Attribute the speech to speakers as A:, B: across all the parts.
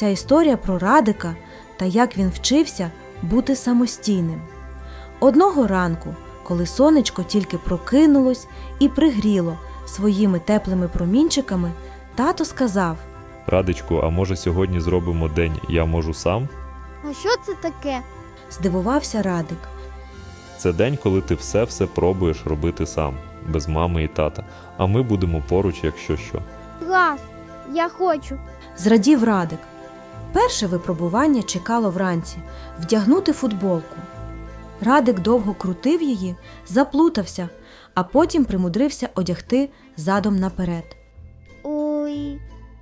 A: ця історія про Радика та як він вчився бути самостійним. Одного ранку, коли сонечко тільки прокинулось і пригріло своїми теплими промінчиками, тато сказав:
B: Радечку, а може сьогодні зробимо день «Я можу сам»?
C: А що це таке?
A: Здивувався Радик.
B: Це день, коли ти все пробуєш робити сам, без мами і тата, а ми будемо поруч, якщо що.
C: Клас! Я хочу.
A: Зрадів Радик. Перше випробування чекало вранці – вдягнути футболку. Радик довго крутив її, заплутався, а потім примудрився одягти задом наперед.
C: Ой.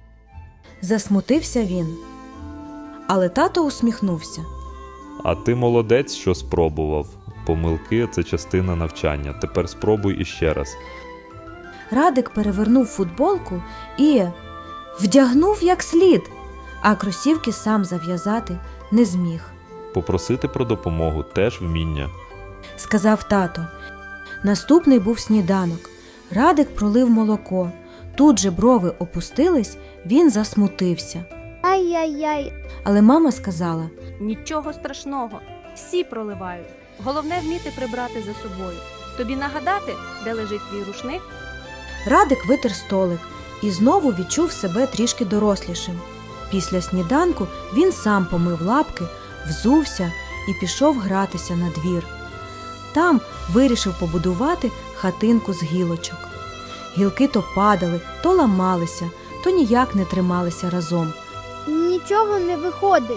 A: Засмутився він. Але тато усміхнувся.
B: А ти молодець, що спробував. Помилки – це частина навчання. Тепер спробуй іще раз.
A: Радик перевернув футболку і вдягнув як слід, а кросівки сам зав'язати не зміг.
B: Попросити про допомогу – теж вміння.
A: Сказав тато. Наступний був сніданок. Радик пролив молоко. Тут же брови опустились, він засмутився.
C: Ай-яй-яй.
A: Але мама сказала:
D: Нічого страшного, всі проливають. Головне вміти прибрати за собою. Тобі нагадати, де лежить твій рушник?
A: Радик витер столик і знову відчув себе трішки дорослішим. Після сніданку він сам помив лапки, взувся і пішов гратися на двір. Там вирішив побудувати хатинку з гілочок. Гілки то падали, то ламалися, то ніяк не трималися разом.
C: Нічого не виходить.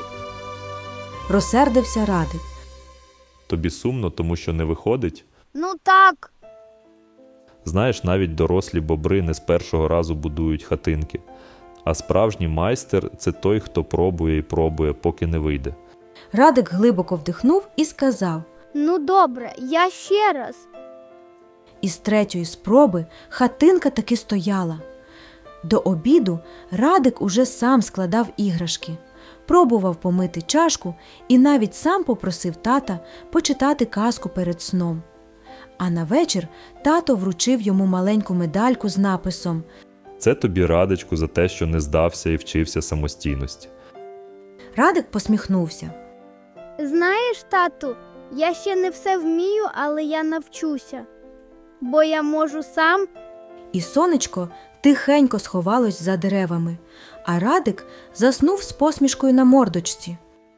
A: Розсердився Радик.
B: Тобі сумно, тому що не виходить?
C: Ну так.
B: Знаєш, навіть дорослі бобри не з першого разу будують хатинки. А справжній майстер – це той, хто пробує і пробує, поки не вийде.
A: Радик глибоко вдихнув і сказав.
C: Ну добре, я ще раз.
A: Із третьої спроби хатинка таки стояла. До обіду Радик уже сам складав іграшки, пробував помити чашку і навіть сам попросив тата почитати казку перед сном. А на вечір тато вручив йому маленьку медальку з написом:
B: Це тобі, Радечку, за те, що не здався і вчився самостійності.
A: Радик посміхнувся.
C: Знаєш, тату, я ще не все вмію, але я навчуся. Бо я можу сам.
A: І сонечко тихенько сховалось за деревами, а Радик заснув з посмішкою на мордочці.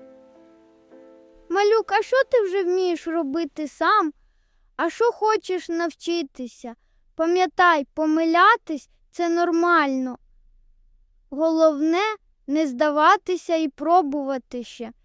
C: Малюк, а що ти вже вмієш робити сам? А що хочеш навчитися? Пам'ятай, помилятись – це нормально. Головне – не здаватися і пробувати ще.